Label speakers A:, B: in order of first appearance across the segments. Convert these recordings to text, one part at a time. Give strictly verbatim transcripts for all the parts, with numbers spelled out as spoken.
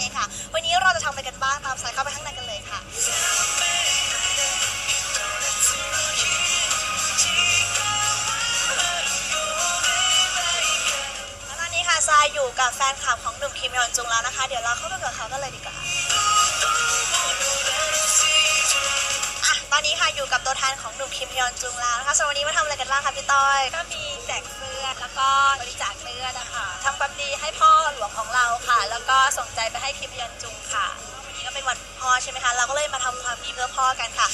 A: องค่ะวันนี้เราจะทำอะไรกันบ้างตามสายเข้าไปข้างในกันเลยค่ะแล้วตอนนี้ค่ะทรายอยู่กับแฟนคลับของหนุ่มคิมยอนจุงแล้วนะคะเดี๋ยวเราเข้าไปกับเขากันเลยดีกว่าตอนนี้ค่ะอยู่กับตัวแทนของหนุ่มคิมยอนจุงแล้วนะคะสำหรับวันนี้มาทำอะไรกันบ้างคะพี่ต้อย
B: ก็มีแจกเสื้อแล้วก็บริจาคเสื้อนะคะทำความดีให้พ่อหลวงของเราค่ะแล้วก็ส่งใจไปให้คิมยอนจุงค่ะ
A: วันนี้ก็เป็นวันพ่อใช่ไหมคะเราก็เลยมาทำความดีเพื่อพ่อกันค่ะ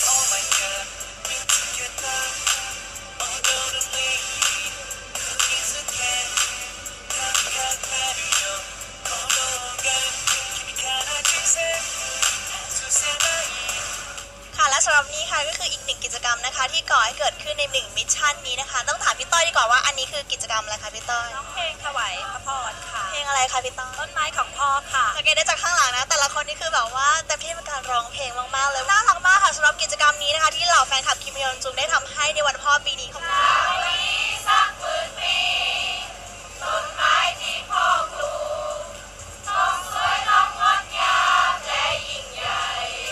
A: และสำหรับนี้ค่ะก็คืออีกหนึ่งกิจกรรมนะคะที่ก่อให้เกิดขึ้นในหนึ่งมิชชั่นนี้นะคะต้องถามพี่ต้อยดีกว่าว่าอันนี้คือกิจกรรมอะไรคะพี่ต้อย
B: ร้องเพลงถวายพระพรค่ะ
A: เพลงอะไรคะพี่ต้อย
B: ต้นไม้ของพ่อค่ะ
A: สังเกตได้จากข้างหลังนะแต่ละคนนี่คือแบบว่าเต็มที่ในการร้องเพลงมากๆเลยน่ารักมากค่ะสำหรับกิจกรรมนี้นะคะที่เหล่าแฟนคลับคิมยอนจุงได้ทำให้ในวันพ่อปีนี้ของเราสักหมื่นปีต้นไม้ที่พ่อปลูกต้องสวยต้องงดงามและยิ่งใหญ่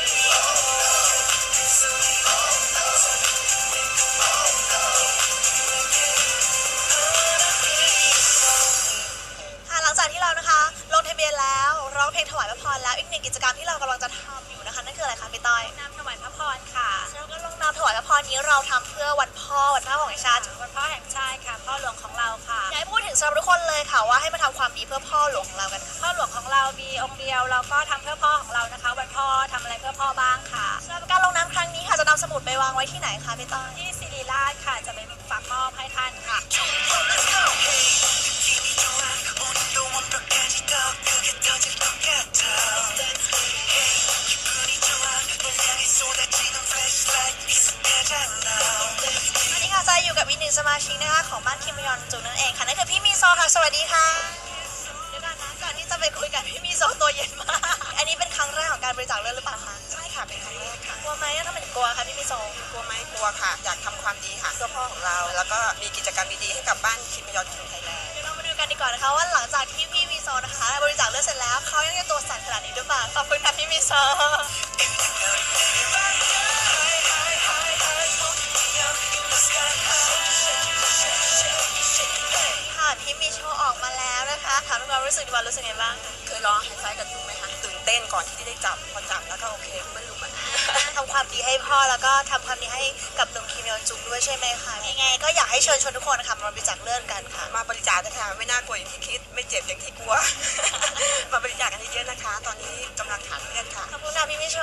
A: หลังจากที่เรานะคะลงทะเบียนแล้วร้องเพลงถวายพระพรแล้วอีกหนึ่งกิจกรรมที่เรากำลังจะทำอยู่นะคะนั่นคืออะไรคะพี่ต้อย
B: น้ำถวายพระพรค่ะ
A: แล้วก็ลงน้ำถวายพระพรนี้เราทำเพื่อวันพ่อวันพ่อของชาติ
B: วันพ่อแห่งชาติค่ะพ่อหลวงของเราค่ะ
A: อยากให้พูดถึงสำหรับทุกคนเลยค่ะว่าให้มาทำความดีเพื่อพ่อหลวงของเรากัน
B: พ่อหลวงของเรามีองค์เดียวเราก็ทำเพื่อพ่อของเรานะคะวันพ่อทำอะไรเพื่อพ่อบ้างค่ะ
A: สำหรับการลงน้ำครั้งนี้ค่ะจะนำสมุดไปวางไว้ที่ไหนคะพี่ต้อย
B: ที่ศิริราชค่ะจะไปฝากมอบให้ท่านค่ะ
A: วันนี้ค่ะใจอยู่กับอีกหนึ่งสมาชิกนะคะของบ้านคิมยอนจุงนั่นเองค่ะนั่นคือพี่มีโซค่ะสวัสดีค่ะเดี๋ยวก่อนนะก่อนที่จะไปคุยกันพี่มีโซตัวเย็นมากอันนี้เป็นครั้งแรกของการบริจาคเลือดหรือเปล่าคะ
C: ใช่ค่ะเป็นครั้งแรกค่ะ
A: กลัวไหมถ้าเป็นกลัวคะพี่มีโซ
C: กลัวไหมกลัวค่ะอยากทำความดีค่ะเพื่อพ่อของเราแล้วก็มีกิจกรรมดีๆให้กับบ้านคิมยอนจุงไทยแลนด์
A: เดี๋ยวเรามาดูกันดีกว่านะคะว่าหลังจากที่พี่มีโซนะคะบริจาคเลือดเสร็จแล้วเขายังจะตัวสั่นขนาดนี้หรือเปล่าขอบคุณค่ะพี่มีโซพี่มีโชว์ออกมาแล้วนะคะถามความรู้สึกดีกว่ารู้สึกไงบ้าง
C: เคยร้องไฮไฟกันดูไหมคะตื่นเต้นก่อนที่ได้จับพอจับแล้วก็โอเคไม่รู้มัน
A: ทำความดีให้พ่อแล้วก็ทำความดีให้กับหนุ่มคิมยอนจุงด้วยใช่ไหมคะยังไงก็อยากให้เชิญชวนทุกคนค่ะมาบริจาคเลือดกันค่ะ
C: มาบริจาคนะคะไม่น่ากลัวอย่างที่คิดไม่เจ็บอย่างที่กลัวมาบริจาคกันเยอะๆนะคะตอนนี้กำลังขาดเลือดค่ะ
A: ขอบคุณค่ะพี่มิโช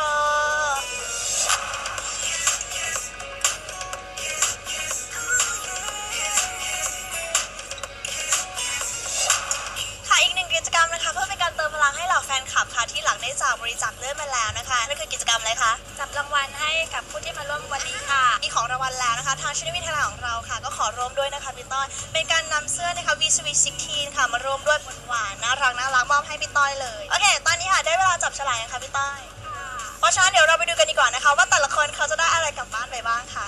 A: กิจกรรมนะคะเพื่อเป็นการเติมพลังให้เหล่าแฟนคลับค่ะที่หลังได้จากบริจาคเลือดมาแล้วนะคะนั่นคือกิจกรรมอะไรคะ
B: จับรางวัลให้กับผู้ที่มาร่วมวันนี้ค่ะ
A: มีของรางวัลแล้วนะคะทางชนิดวิทยาของเราค่ะก็ขอร่วมด้วยนะคะพี่ต้อยเป็นการนำเสื้อนะคะวีสวีซิกทีนค่ะมาร่วมด้วยหวานน่ารักน่ารักมอบให้พี่ต้อยเลยโอเคตอนนี้ค่ะได้เวลาจับฉลากนะคะพี่ต้อยเพราะฉะนั้นเดี๋ยวเราไปดูกันดีกว่านะคะว่าแต่ละคนเขาจะได้อะไรกลับบ้านไปบ้างค่ะ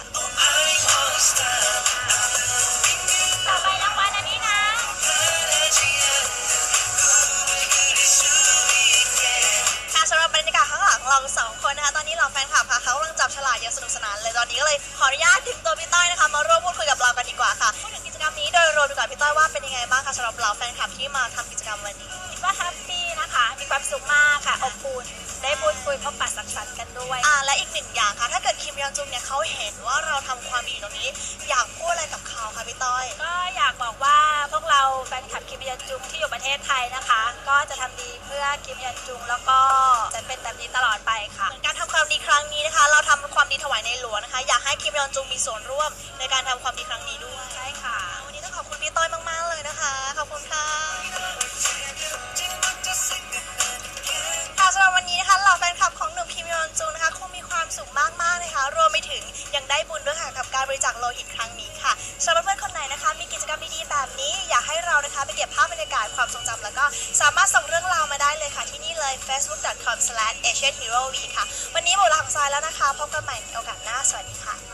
B: ต่อไปรางวัลอันนี้นะ
A: สำหรับบรรยากาศข้างหลังเราสองคนนะคะตอนนี้เราแฟนคลับค่ะเขากำลังจับฉลากอย่างสนุกสนานเลยตอนนี้ก็เลยขออนุญาตถึงตัวพี่ต้อยนะคะมาร่วมพูดคุยกับเรากันดีกว่าค่ะพูดถึงกิจกรรมนี้โดยรวมดีกว่าพี่ต้อยว่าเป็นยังไงบ้างคะสำหรับเราแฟนคลับที่มาทำกิจกรรมวันนี้
B: คิดว่าแฮปปี้นะคะมีความสุขมากค่ะอบอุ่นได้พูดคุยพบปะสังสรรค์กันด้วย
A: อ่าและอีกหนึ่งอย่างค่ะถ้าเกิดคิมยอนจุงเนี่ยเขาเห็นว่าเราทำความดีตรงนี้อยากพูดอะไรกับเขาคะพี่ต้อย
B: ก็อยากบอกว่าพวกเราแฟนคลับคิมยอนจุงที่อยู่ประเทศไทยนะคะก็จะทำดีเพื่อคิมยอนจุงแล้วก็จะเป็นแบบนี้ตลอดไปค่ะ
A: การทำความดีครั้งนี้นะคะเราทำความดีถวายในหลวงนะคะอยากให้คิมยอนจุงมีส่วนร่วมในการทำความดีครั้งนี้ด้วย
B: ใช่ค่ะ
A: วันนี้ต้องขอบคุณพี่ต้อยมากๆเลยนะคะขอบคุณค่ะสำหรับวันนี้นะคะเหล่าแฟนคลับของหนุ่มคิมยอนจุงนะคะคงมีความสุขมากๆนะคะรวมไปถึงยังได้บุญด้วยค่ะกับการบริจาคโลหิตครั้งนี้ค่ะสำหรับเพื่อนคนไหนนะคะมีกิจกรรมดีๆแบบนี้อยากให้เรานะคะไปเก็บภาพบรรยากาศความทรงจำแล้วก็สามารถส่งเรื่องราวมาได้เลยค่ะที่นี่เลย เฟซบุ๊ก ดอท คอม สแลช เอเชียนฮีโร่วี ค่ะวันนี้หมดเวลาของทรายแล้วนะคะพบกันใหม่ในโอกาสหน้าสวัสดีค่ะ